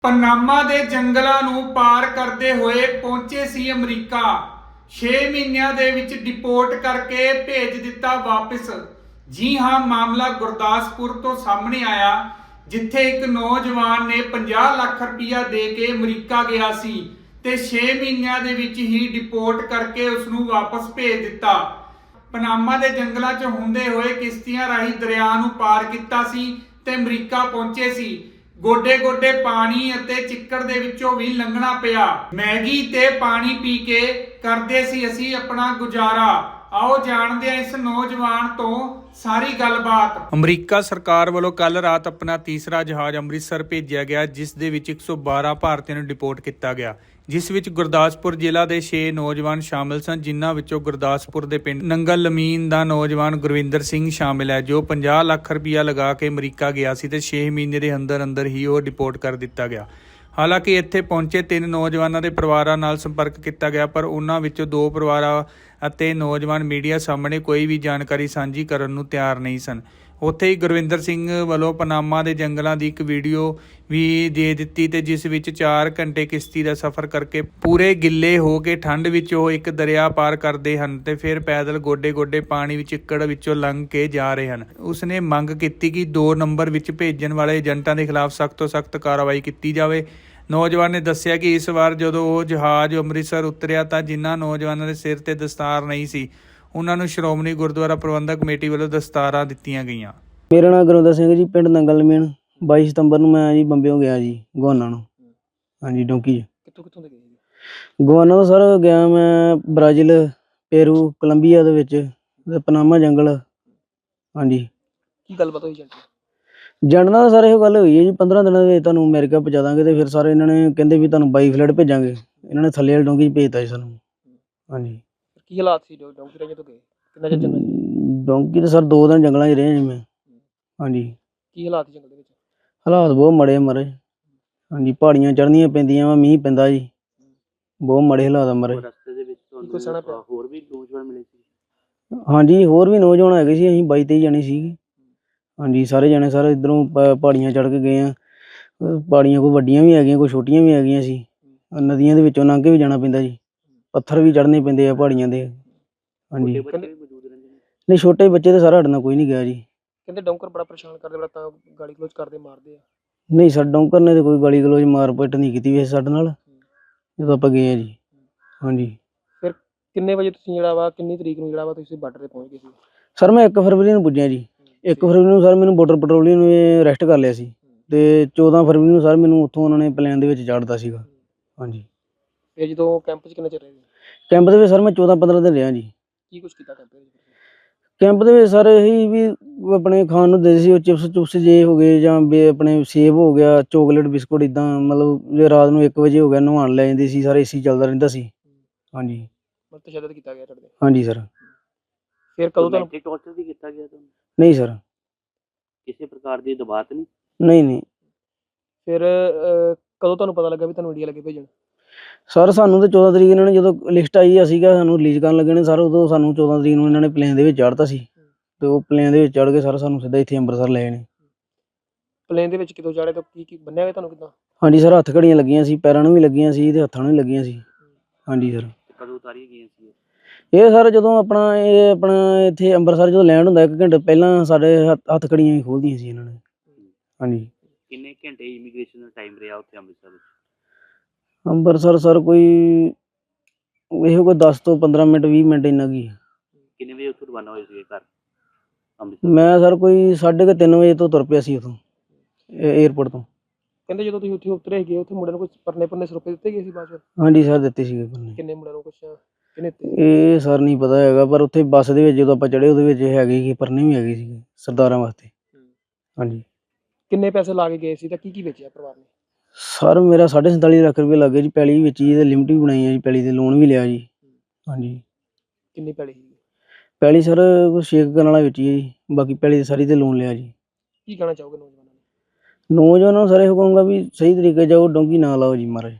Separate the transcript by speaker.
Speaker 1: Panama ਦੇ ਜੰਗਲਾਂ ਨੂੰ ਪਾਰ ਕਰਦੇ ਹੋਏ ਪਹੁੰਚੇ ਸੀ ਅਮਰੀਕਾ। 6 ਮਹੀਨਿਆਂ ਦੇ ਵਿੱਚ ਡਿਪੋਰਟ ਕਰਕੇ ਭੇਜ ਦਿੱਤਾ ਵਾਪਸ। ਜੀ ਹਾਂ, ਮਾਮਲਾ ਗੁਰਦਾਸਪੁਰ ਤੋਂ ਸਾਹਮਣੇ ਆਇਆ, ਜਿੱਥੇ ਇੱਕ ਨੌਜਵਾਨ ਨੇ 50 ਲੱਖ ਰੁਪਇਆ ਦੇ ਕੇ ਅਮਰੀਕਾ ਗਿਆ ਸੀ ਤੇ 6 ਮਹੀਨਿਆਂ ਦੇ ਵਿੱਚ ਹੀ ਡਿਪੋਰਟ ਕਰਕੇ ਉਸ ਨੂੰ ਵਾਪਸ ਭੇਜ ਦਿੱਤਾ। ਪਨਾਮਾ ਦੇ ਜੰਗਲਾਂ 'ਚ ਹੁੰਦੇ ਹੋਏ ਕਿਸ਼ਤੀਆਂ ਰਾਹੀਂ ਦਰਿਆ ਨੂੰ ਪਾਰ ਕੀਤਾ ਸੀ ਤੇ ਅਮਰੀਕਾ ਪਹੁੰਚੇ ਸੀ। ਗੋਡੇ ਗੋਡੇ ਪਾਣੀ ਅਤੇ ਚਿੱਕੜ ਦੇ ਵਿੱਚੋਂ ਵੀ ਲੰਘਣਾ ਪਿਆ। ਮੈਗੀ ਤੇ ਪਾਣੀ ਪੀ ਕੇ ਕਰਦੇ ਸੀ ਅਸੀਂ ਆਪਣਾ ਗੁਜ਼ਾਰਾ। ਆਓ ਜਾਣਦੇ ਹਾਂ ਇਸ ਨੌਜਵਾਨ ਤੋਂ ਸਾਰੀ ਗੱਲਬਾਤ। ਅਮਰੀਕਾ ਸਰਕਾਰ ਵੱਲੋਂ ਕੱਲ ਰਾਤ ਆਪਣਾ ਤੀਸਰਾ ਜਹਾਜ਼ ਅੰਮ੍ਰਿਤਸਰ ਭੇਜਿਆ ਗਿਆ, ਜਿਸ ਦੇ ਵਿੱਚ 112 ਭਾਰਤੀਆਂ ਨੂੰ ਡਿਪੋਰਟ ਕੀਤਾ ਗਿਆ, ਜਿਸ ਵਿੱਚ ਗੁਰਦਾਸਪੁਰ ਜ਼ਿਲ੍ਹਾ ਦੇ 6 ਨੌਜਵਾਨ ਸ਼ਾਮਲ ਸਨ, ਜਿਨ੍ਹਾਂ ਵਿੱਚੋਂ ਗੁਰਦਾਸਪੁਰ ਦੇ ਪਿੰਡ ਨੰਗਲ ਲਮੀਨ ਦਾ ਨੌਜਵਾਨ ਗੁਰਵਿੰਦਰ ਸਿੰਘ ਸ਼ਾਮਿਲ ਹੈ, ਜੋ 50 ਲੱਖ ਰੁਪਇਆ ਲਗਾ ਕੇ ਅਮਰੀਕਾ ਗਿਆ ਸੀ ਤੇ 6 ਮਹੀਨੇ ਦੇ ਅੰਦਰ ਹੀ ਉਹ ਡਿਪੋਰਟ ਕਰ ਦਿੱਤਾ ਗਿਆ। ਹਾਲਾਂਕਿ ਇੱਥੇ ਪਹੁੰਚੇ 3 ਨੌਜਵਾਨਾਂ ਦੇ ਪਰਿਵਾਰਾਂ ਨਾਲ ਸੰਪਰਕ ਕੀਤਾ ਗਿਆ, ਪਰ ਉਹਨਾਂ ਵਿੱਚੋਂ 2 ਪਰਿਵਾਰਾਂ ਅਤੇ ਨੌਜਵਾਨ ਮੀਡੀਆ ਸਾਹਮਣੇ ਕੋਈ ਵੀ ਜਾਣਕਾਰੀ ਸਾਂਝੀ ਕਰਨ ਨੂੰ ਤਿਆਰ ਨਹੀਂ ਸਨ। ਉੱਥੇ ਹੀ ਗੁਰਵਿੰਦਰ ਸਿੰਘ ਵੱਲੋਂ ਪਨਾਮਾ ਦੇ ਜੰਗਲਾਂ ਦੀ ਇੱਕ ਵੀਡੀਓ ਵੀ ਦੇ ਦਿੱਤੀ ਤੇ ਜਿਸ ਵਿੱਚ 4 ਘੰਟੇ ਕਿਸ਼ਤੀ ਦਾ ਸਫ਼ਰ ਕਰਕੇ ਪੂਰੇ ਗਿੱਲੇ ਹੋ ਕੇ ਠੰਡ ਵਿੱਚ ਉਹ ਇੱਕ ਦਰਿਆ ਪਾਰ ਕਰਦੇ ਹਨ ਤੇ ਫਿਰ ਪੈਦਲ ਗੋਡੇ ਗੋਡੇ ਪਾਣੀ ਵਿੱਚ ਚਿੱਕੜ ਵਿੱਚੋਂ ਲੰਘ ਕੇ ਜਾ ਰਹੇ ਹਨ। ਉਸਨੇ ਮੰਗ ਕੀਤੀ ਕਿ 2 ਨੰਬਰ ਵਿੱਚ ਭੇਜਣ ਵਾਲੇ ਏਜੰਟਾਂ ਦੇ ਖਿਲਾਫ ਸਖਤ ਤੋਂ ਸਖਤ ਕਾਰਵਾਈ ਕੀਤੀ ਜਾਵੇ। ਨੌਜਵਾਨ ਨੇ ਦੱਸਿਆ ਕਿ ਇਸ ਵਾਰ ਜਦੋਂ ਉਹ ਜਹਾਜ਼ ਅੰਮ੍ਰਿਤਸਰ ਉਤਰਿਆ ਤਾਂ ਜਿਨ੍ਹਾਂ ਨੌਜਵਾਨਾਂ ਦੇ ਸਿਰ ਤੇ ਦਸਤਾਰ ਨਹੀਂ ਸੀ, ਉਹਨਾਂ ਨੂੰ ਸ਼੍ਰੋਮਣੀ ਗੁਰਦੁਆਰਾ ਪ੍ਰਬੰਧਕ ਕਮੇਟੀ ਵੱਲੋਂ ਦਸਤਾਰਾਂ ਦਿੱਤੀਆਂ ਗਈਆਂ।
Speaker 2: ਮੇਰਾ ਨਾਮ ਗੁਰਵਿੰਦਰ ਸਿੰਘ ਜੀ, ਪਿੰਡ ਨੰਗਲ ਲਮੀਨ। 22 ਸਤੰਬਰ ਨੂੰ ਮੈਂ ਜੀ ਬੰਬਿਓਂ ਗਿਆ ਜੀ ਗਵਾਨਾ ਨੂੰ। ਹਾਂਜੀ, ਡੋਂਕੀ।
Speaker 3: ਕਿੱਥੋਂ ਦੇ ਗਏ ਜੀ?
Speaker 2: ਗਵਾਨਾ ਤੋਂ ਸਰ ਗਿਆ ਮੈਂ ਬ੍ਰਾਜ਼ੀਲ, ਪੇਰੂ, ਕੋਲੰਬੀਆ ਦੇ ਵਿੱਚ ਤੇ ਪਨਾਮਾ ਜੰਗਲ। ਹਾਂਜੀ।
Speaker 3: ਕੀ ਗੱਲਬਾਤ ਹੋਈ ਏਜੰਟ?
Speaker 2: ਏਜੰਟ ਨਾਲ ਸਰ ਇਹੋ ਗੱਲ ਹੋਈ ਹੈ ਜੀ, 15 ਦਿਨਾਂ ਦੇ ਵਿੱਚ ਤੁਹਾਨੂੰ ਅਮਰੀਕਾ ਪਹੁੰਚਾ ਦਾਂਗੇ। ਤੇ ਫਿਰ ਸਰ ਇਹਨਾਂ ਨੇ ਕਹਿੰਦੇ ਵੀ ਤੁਹਾਨੂੰ ਬਾਈ ਫਲਾਈਟ ਭੇਜਾਂਗੇ। ਇਹਨਾਂ ਨੇ ਥੱਲੇ ਵਾਲੀ ਡੋਂਕੀ 'ਚ ਭੇਜਤਾ ਜੀ ਸਾਨੂੰ। ਹਾਂਜੀ।
Speaker 3: ਕੀ ਹਾਲਾਤ ਸੀ ਡੋਂਕੀ ਰਾਹੀਂ ਤੋਂ ਗਏ? ਕਿੰਨਾ ਚਿਰ ਜੰਗਲ 'ਚ?
Speaker 2: ਡੋਂਕੀ ਤੇ ਸਰ 2 ਦਿਨ ਜੰਗਲਾਂ 'ਚ ਰਹੇ ਜੀ ਮੈਂ। ਹਾਂਜੀ।
Speaker 3: ਕੀ ਹਾਲਾਤ ਸੀ ਜੰਗਲ ਦੇ ਵਿੱਚ?
Speaker 2: ਹਾਲਾਤ ਬਹੁਤ ਮਾੜੇ ਮਰੇ। ਹਾਂਜੀ, ਪਹਾੜੀਆਂ ਚੜ੍ਹਨੀਆਂ ਪੈਂਦੀਆਂ ਵਾ, ਮੀਂਹ ਪੈਂਦਾ ਜੀ, ਬਹੁਤ ਮਾੜੇ ਹਾਲਾਤ ਆ ਮਰੇ।
Speaker 3: ਰਸਤੇ ਦੇ ਵਿੱਚ ਕੋਈ ਸਣਾ ਪਿਆ? ਹੋਰ ਵੀ ਨੌਜਵਾਨ ਮਿਲੇ ਸੀ?
Speaker 2: ਹਾਂਜੀ, ਹੋਰ ਵੀ ਨੌਜਵਾਨ ਹੈਗੇ ਸੀ। ਅਸੀਂ 22-23 ਜਣੇ ਸੀਗੇ। ਹਾਂਜੀ, ਸਾਰੇ ਜਣੇ ਸਰ ਇੱਧਰੋਂ ਪਹਾੜੀਆਂ ਚੜ੍ਹ ਕੇ ਗਏ ਆ। ਪਹਾੜੀਆਂ ਕੋਈ ਵੱਡੀਆਂ ਵੀ ਹੈਗੀਆਂ, ਕੋਈ ਛੋਟੀਆਂ ਵੀ ਹੈਗੀਆਂ ਸੀ। ਨਦੀਆਂ ਦੇ ਵਿੱਚੋਂ ਲੰਘ ਕੇ ਵੀ ਜਾਣਾ ਪੈਂਦਾ ਜੀ, ਪੱਥਰ ਵੀ ਚੜ੍ਹਨੇ ਪੈਂਦੇ ਆ ਪਹਾੜੀਆਂ ਦੇ। ਹਾਂਜੀ। ਨਹੀਂ, ਛੋਟੇ ਬੱਚੇ ਤਾਂ ਸਾਰਾ ਸਾਡੇ ਨਾਲ ਕੋਈ ਨਹੀਂ ਗਿਆ ਜੀ।
Speaker 3: ਕਹਿੰਦੇ ਡੌਂਕਰ ਬੜਾ ਪਰੇਸ਼ਾਨ ਕਰਦੇ, ਬੜਾ ਤਾਂ ਗਾਲੀ ਗਲੋਚ ਕਰਦੇ, ਮਾਰਦੇ ਆ।
Speaker 2: ਨਹੀਂ ਸਰ, ਡੌਂਕਰ ਨੇ ਤਾਂ ਕੋਈ ਗਾਲੀ ਗਲੋਚ ਮਾਰ ਪਿੱਟ ਨਹੀਂ ਕੀਤੀ ਵੈਸੇ ਸਾਡੇ ਨਾਲ, ਜਦੋਂ ਆਪਾਂ ਗਏ ਆ ਜੀ। ਹਾਂਜੀ।
Speaker 3: ਫਿਰ ਕਿੰਨੇ ਵਜੇ ਤੁਸੀਂ ਕਿੰਨੀ ਤਰੀਕ ਨੂੰ ਤੁਸੀਂ ਬਾਰਡਰ ਤੇ ਪਹੁੰਚ ਗਏ ਸੀ?
Speaker 2: ਸਰ ਮੈਂ 1 ਫਰਵਰੀ ਨੂੰ ਪੁੱਜਿਆ ਜੀ। 1 ਫਰਵਰੀ ਨੂੰ ਸਰ ਮੈਨੂੰ ਬਾਰਡਰ ਪੈਟਰੋਲਿੰਗ ਨੂੰ ਅਰੈਸਟ ਕਰ ਲਿਆ ਸੀ ਤੇ 14 ਫਰਵਰੀ ਨੂੰ ਸਰ ਮੈਨੂੰ ਉੱਥੋਂ ਉਹਨਾਂ ਨੇ ਪਲੇਨ ਦੇ ਵਿੱਚ ਚਾੜ੍ਹਤਾ ਸੀਗਾ। ਹਾਂਜੀ।
Speaker 3: ਫਿਰ ਜਦੋਂ ਕੈਂਪ 'ਚ ਕਿੰਨਾ ਚਿਰ ਰਹੇ?
Speaker 2: ਕੈਂਪ ਦੇ ਵਿੱਚ ਸਰ ਮੈਂ 14-15 ਦਿਨ ਰਿਹਾ ਜੀ।
Speaker 3: ਕੀ ਕੁਛ ਕੀਤਾ ਕੈਂਪ ਦੇ ਵਿੱਚ?
Speaker 2: ਕੈਂਪ ਦੇ ਵਿੱਚ ਸਰ ਇਹੀ ਵੀ ਆਪਣੇ ਖਾਣ ਨੂੰ ਦੇ ਸੀ, ਉਹ ਚਿਪਸ ਚੁਪਸ ਜੇ ਹੋ ਗਏ ਜਾਂ ਆਪਣੇ ਸੇਬ ਹੋ ਗਿਆ, ਚੋਕਲੇਟ, ਬਿਸਕੁਟ, ਇੱਦਾਂ ਮਤਲਬ ਜੇ ਰਾਤ ਨੂੰ 1 ਵਜੇ ਹੋ ਗਿਆ ਨਹਾਉਣ ਲੈ ਜਾਂਦੇ ਸੀ। ਸਾਰੇ AC ਚੱਲਦਾ ਰਹਿੰਦਾ ਸੀ। ਹਾਂਜੀ।
Speaker 3: ਮਤਲਬ ਤਸ਼ੱਦਦ ਕੀਤਾ ਗਿਆ ਤੁਹਾਡੇ?
Speaker 2: ਹਾਂਜੀ ਸਰ।
Speaker 3: ਫਿਰ ਕਦੋਂ ਤੁਹਾਨੂੰ ਟੌਰਚਰ ਵੀ ਕੀਤਾ ਗਿਆ ਤੁਹਾਨੂੰ?
Speaker 2: ਨਹੀਂ ਸਰ,
Speaker 3: ਕਿਸੇ ਪ੍ਰਕਾਰ ਦੀ ਦਬਾਅ ਨਹੀਂ?
Speaker 2: ਨਹੀਂ।
Speaker 3: ਫਿਰ ਕਦੋਂ ਤੁਹਾਨੂੰ ਪਤਾ ਲੱਗਾ ਵੀ ਤੁਹਾਨੂੰ ਇੰਡੀਆ ਲੱਗੇ ਭੇਜਣ?
Speaker 2: ਸਰ ਸਾਨੂੰ ਤਾਂ 14 ਤਰੀਕ ਇਹਨਾਂ ਨੇ ਜਦੋਂ ਲਿਸਟ ਆਈ ਸੀਗਾ ਸਾਨੂੰ ਰਿਲੀਜ਼ ਕਰਨ ਲੱਗੇ ਨੇ ਸਰ, ਉਦੋਂ ਸਾਨੂੰ 14 ਤਰੀਕ ਨੂੰ ਇਹਨਾਂ ਨੇ ਪਲੇਨ ਦੇ ਵਿੱਚ ਚਾੜ੍ਹਤਾ ਸੀ ਤੇ ਉਹ ਪਲੇਨ ਦੇ ਵਿੱਚ ਚੜ੍ਹ ਕੇ ਸਰ ਸਾਨੂੰ ਸਿੱਧਾ ਇੱਥੇ ਅੰਮ੍ਰਿਤਸਰ ਲੈ ਨੇ।
Speaker 3: ਪਲੇਨ ਦੇ ਵਿੱਚ ਕਿਦੋਂ ਚਾੜੇ ਤਾਂ ਕੀ ਬੰਨਿਆ ਹੋਇਆ ਤੁਹਾਨੂੰ ਕਿੱਦਾਂ?
Speaker 2: ਹਾਂਜੀ ਸਰ, ਹੱਥ ਘੜੀਆਂ ਲੱਗੀਆਂ ਸੀ, ਪੈਰਾਂ ਨੂੰ ਵੀ ਲੱਗੀਆਂ ਸੀ ਤੇ ਹੱਥਾਂ ਨੂੰ ਵੀ ਲੱਗੀਆਂ ਸੀ। ਹਾਂਜੀ ਸਰ।
Speaker 3: ਕਦੋਂ ਉਤਾਰੀਆਂ ਗਈਆਂ ਸੀ
Speaker 2: ਇਹ ਸਰ ਜਦੋਂ ਆਪਣਾ ਇੱਥੇ ਅੰਮ੍ਰਿਤਸਰ ਜਦੋਂ ਲੈਂਡ ਹੁੰਦਾ 1 ਘੰਟੇ ਪਹਿਲਾਂ ਸਾਡੇ ਹੱਥ ਘੜੀਆਂ ਹੀ ਖੋਲ੍ਹਦੀਆਂ ਸੀ ਇਹਨਾਂ ਨੇ। ਹਾਂਜੀ।
Speaker 3: ਕਿੰਨੇ ਘੰਟੇ ਇਮੀਗ੍ਰੇਸ਼ਨ ਦਾ ਟਾਈਮ ਰਿਹਾ ਉੱਥੇ ਅੰਮ੍ਰਿਤਸਰ ਵਿੱਚ?
Speaker 2: ਅੰਮ੍ਰਿਤਸਰ ਸਰ ਕੋਈ 10 ਤੋਂ 15 ਮਿੰਟ 20 ਮਿੰਟ ਇੰਨਾ ਕੀ।
Speaker 3: ਕਿੰਨੇ ਵਜੇ ਉੱਥੋਂ ਰਵਾਨਾ ਹੋਏ ਸੀਗੇ ਘਰ ਅੰਮ੍ਰਿਤਸਰ?
Speaker 2: ਮੈਂ ਸਰ ਕੋਈ 3:30 ਵਜੇ ਤੋਂ ਤੁਰ ਪਿਆ ਸੀ ਉੱਥੋਂ ਏਅਰਪੋਰਟ ਤੋਂ।
Speaker 3: ਕਹਿੰਦੇ ਜਦੋਂ ਤੁਸੀਂ ਉੱਥੇ ਉਤਰੇ ਗਏ ਉੱਥੇ ਮੁੰਡਿਆਂ ਨੂੰ ਕੁਝ ਪਰਨੇ ਸਰੋਪੇ ਦਿੱਤੇ ਗਏ ਸੀ ਬਾਅਦ ਚ?
Speaker 2: ਹਾਂਜੀ ਸਰ, ਦਿੱਤੇ ਸੀਗੇ ਪਰਨੇ।
Speaker 3: ਕਿੰਨੇ ਮੁੰਡਿਆਂ ਨੂੰ ਕਿੰਨੇ?
Speaker 2: ਇਹ ਸਰ ਨਹੀਂ ਪਤਾ ਹੈਗਾ, ਪਰ ਉੱਥੇ ਬੱਸ ਦੇ ਵਿੱਚ ਜਦੋਂ ਆਪਾਂ ਚੜ੍ਹੇ ਉਹਦੇ ਵਿੱਚ ਹੈਗੇ ਸੀ ਪਰਨੇ ਵੀ ਹੈਗੇ ਸੀਗੇ ਸਰਦਾਰਾਂ ਵਾਸਤੇ। ਹਾਂਜੀ।
Speaker 3: ਕਿੰਨੇ ਪੈਸੇ ਲਾ ਕੇ ਗਏ ਸੀ ਤਾਂ ਕੀ ਵੇਚਿਆ ਪਰਿਵਾਰ ਨੇ?
Speaker 2: ਸਰ ਮੇਰਾ 47.5 ਲੱਖ ਰੁਪਏ ਲੱਗੇ ਜੀ। ਪੈਲੀ ਵਿੱਚ ਜੀ ਤੇ ਲਿਮਟ ਵੀ ਬਣਾਈ ਹੈ ਜੀ, ਪੈਲੀ ਦੇ ਲੋਨ ਵੀ ਲਿਆ ਜੀ। ਹਾਂਜੀ।
Speaker 3: ਕਿੰਨੀ ਪੈਲੀ ਸੀ?
Speaker 2: ਪੈਲੀ ਸਰ ਕੋਈ 6 ਕਰਨ ਵਾਲਾ ਵਿੱਚ ਜੀ, ਬਾਕੀ ਪੈਲੀ ਦੀ ਸਾਰੀ ਤੇ ਲੋਨ ਲਿਆ ਜੀ।
Speaker 3: ਕੀ ਕਹਿਣਾ ਚਾਹੋਗੇ ਨੌਜਵਾਨਾਂ ਨੂੰ?
Speaker 2: ਨੌਜਵਾਨਾਂ ਨੂੰ ਸਰ ਇਹੋ ਕਹੂੰਗਾ ਵੀ ਸਹੀ ਤਰੀਕੇ ਜਾਓ, ਡੋਂਕੀ ਨਾ ਲਾਓ ਜੀ ਮਹਾਰਾਜ।